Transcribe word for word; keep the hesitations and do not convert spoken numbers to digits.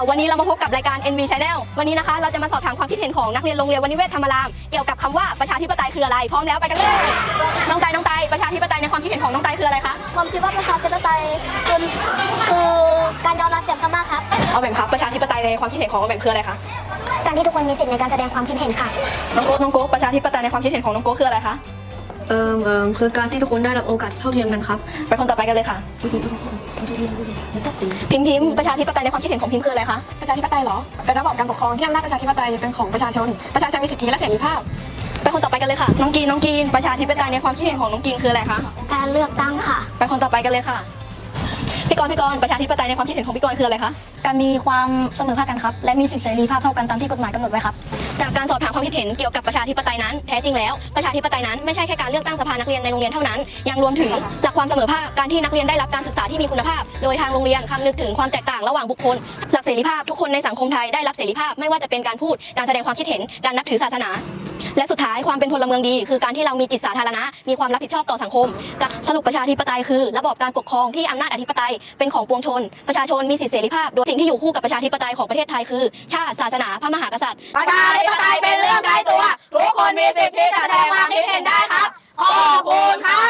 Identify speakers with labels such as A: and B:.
A: วันนี้เรามาพบกับรายการ เอ็น วี Channel วันนี้นะคะเราจะมาสอบถามความคิดเห็นของนักเรียนโรงเรียนวณิเวศธรรมรามเกี่ยวกับคำว่าประชาธิปไตยคืออะไรพร้อมแล้วไปกันเลยน้องไตน้องไตประชาธิปไตยในความคิดเห็นของน้องไตคืออะไรคะ
B: ผมคิดว่าประชาธิปไตยคือคือการยอมรับเสียงข้างมากครับ
A: เอาแหม่มครับประชาธิปไตยในความคิดเห็นของเอาแหม่มคืออะไรคะ
B: การที่ทุกคนมีสิทธิในการแสดงความคิดเห็นค่ะ
A: น้องโก้น้องโก้ประชาธิปไตยในความคิดเห็นของน้องโก้คืออะไรคะ
C: เอ่อเอ่อคือการที่ทุกคนได้รับโอกาสเท่าเทียมกันครับ
A: ไปคนต่อไปกันเลยค่ะพิมพ์พิมพ์ประชาธิปไตยในความคิดเห็นของพิมพ์คืออะไรคะ
D: ประชาธิปไตยเหรอเป็นระบอบการปกครองที่อำนาจประชาธิปไตยเป็นของประชาชนประชาชนมีสิทธิและเสรีภาพ
A: ไปคนต่อไปกันเลยค่ะน้องกีนน้องกีนประชาธิปไตยในความคิดเห็นของน้องกีนคืออะไรคะ
B: การเลือกตั้งค่ะ
A: ไปคนต่อไปกันเลยค่ะพี่กรณ์พี่กรณ์ประชาธิปไตยในความคิดเห็นของพี่กรณ์คืออะไรคะ
B: การมีความเสมอภาคกันครับและมีสิทธิเสรีภาพเท่ากันตามที่กฎหมายกำหนดไว้ครับ
A: จากการสอบถามความคิดเห็นเกี่ยวกับประชาธิปไตยนั้นแท้จริงแล้วประชาธิปไตยนั้นไม่ใช่แค่การเลือกตั้งสภานักเรียนในโรงเรียนเท่านั้นยังรวมถึงหลักความเสมอภาคการที่นักเรียนได้รับการศึกษาที่มีคุณภาพโดยทางโรงเรียนคำนึกถึงความแตกต่างระหว่างบุคคลหลักเสรีภาพทุกคนในสังคมไทยได้รับเสรีภาพไม่ว่าจะเป็นการพูดการแสดงความคิดเห็นการนับถือศาสนาและสุดท้ายความเป็นพลเมืองดีคือการที่เรามีจิตสาธารณะมีความรับผิดชอบต่อสังคมสรุปประชาธิปไตยคือระบอบการปกครองที่อำนาจอธิปไตยเป็นของปวงชนประชาชนมีสิทธิเสรีภาพโดยสิ่งที่อยู่คู่กับประชาธิปไตยของประเทศไทยคือชาติศาสนาพระมหากษัตริย์
E: ประชาธิปไตยเป็นเรื่องไกลตัวทุกคนมีสิทธิ์ที่จะแสดงความคิดเห็นได้ครับขอบคุณครับ